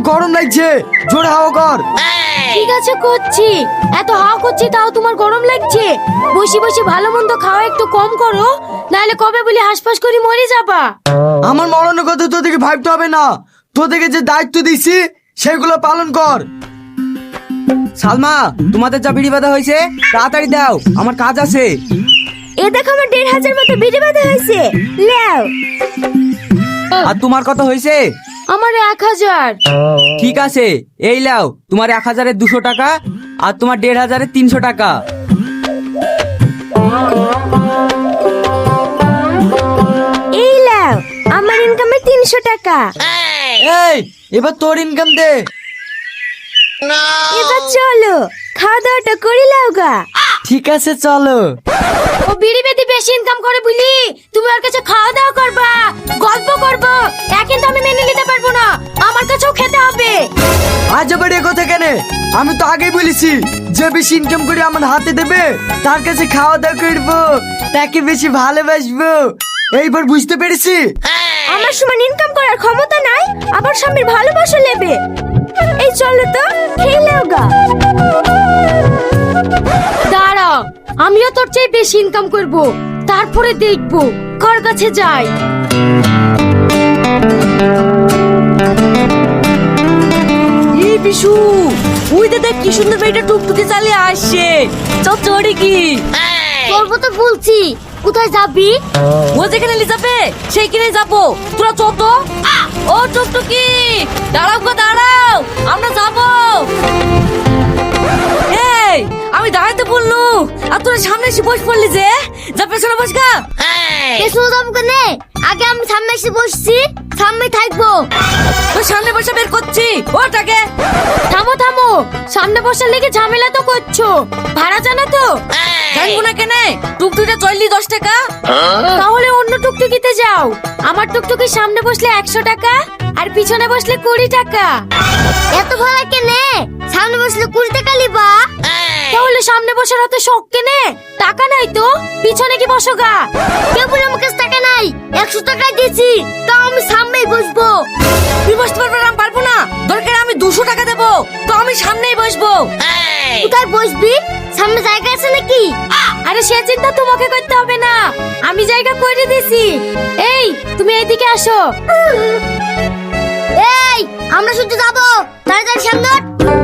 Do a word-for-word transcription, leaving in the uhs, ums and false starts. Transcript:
গরম লাগছে, জোরে হাওয়া কর। ঠিক আছে করছি। এত হাওয়া করছি তাও তোমার গরম লাগছে? বসে বসে ভালো মন্দ খাওয়া একটু কম করো, নাহলে কবে বলি হাসপাস করে মরে যাবা। আমার মরণের কথা তোদেরকে ভাবতে হবে না, তোদেরকে যে দায়িত্ব দিছি সেগুলো পালন কর। সালমা, তোমাদের যা বিড়ি বাঁধা হয়েছে তাড়াতাড়ি দাও, আমার কাজ আছে। এ দেখো আমার দেড় হাজার মতো বিড়ি বাঁধা হয়েছে, লেও। আর তোমার কত হয়েছে? আমার এক হাজার। ঠিক আছে, এই লাও তোমার এক হাজারের দুশো টাকা আর তোমার দেড় হাজারের তিনশো টাকা। এই লাও আমার ইনকামে তিনশো টাকা। এই এবার তোর ইনকাম দে। এবার চলো খাওয়া দাওয়াটা করে লাও গা। ঠিক আছে চলো। ও বিড়ি বেদি বেশি ইনকাম করে বুঝলি তুমি ওর কাছে খাওয়া দাওয়া করবা, গল্প করবো, তা কিন্তু আমি মেনে নিতে পারবো না। আমার কাছেও খেতে হবে। আজ আবার এ কথা কেন? আমি তো আগেই বলেছি যে বেশি ইনকাম করে আমার হাতে দেবে তার কাছে খাওয়া দাওয়া করবো, তাকে বেশি ভালোবাসবো। এইবার বুঝতে পেরেছি। আমার সমান ইনকাম করার ক্ষমতা নাই, আবার স্বামীর ভালোবাসা নেবে। এই চলো তো খেয়ে নাও গা। দাঁড়া, আমিও তোর চেয়ে বেশি ইনকাম করব, তারপরে দেখবো কার কাছে যাই। এই বিশু, ওই দে দেখ কি সুন্দর মেয়েটা টুকটুকি চালিয়ে আসছে। চল চড়ি কি করবো তো বলছি, কোথায় যাবি? ও যেখানে নিয়ে যাবে সেইখানে যাবো, তোরা চত। ও টুকটুকি দাঁড়াও গো দাঁড়াও, আমরা যাবো। এই আমি দাঁড়াইতে বললু আর তোরা সামনে এসে বস পড়লি যে, যা পেছনে বস গা। পেছনে যাবো কেন? আগে আমি সামনে এসে বসছি, সামনে থাকবো। তোর সামনে বসে বের করছি ওটাকে। থামো থামো, সামনে বসার লেগে ঝামেলা তো করছো। ভাড়া জানো তো? জানবো না কেনে, টুকটুকিটা চললি দশ টাকা। তাহলে অন্য টুকটুকিতে যাও। আমার টুকটুকির সামনে বসলে একশো টাকা আর পিছনে বসলে কুড়ি টাকা। এত ভাড়া কেনে? সামনে বসলে কুড়ি টাকা লিবা। তাহলে সামনে বসার হাতে শখ কেনে? টাকা নাই তো পিছনে কি বসো গা। কেউ বলে আমার কাছে টাকা নাই, একশো টাকা দিয়েছি, তাও আমি সামনেই বসবো। তুই বসতে পারবে না? আমি পারবো না, দরকার আমি দুশো টাকা দেবো, তো আমি সামনেই বসবো। কোথায় বসবি? সামনে জায়গা আছে নাকি? আরে সে চিন্তা তোমাকে করতে হবে না, আমি জায়গা করে দিছি। এই তুমি এইদিকে আসো। এই আমরা শুধু যাবো, তাড়াতাড়ি সামনে।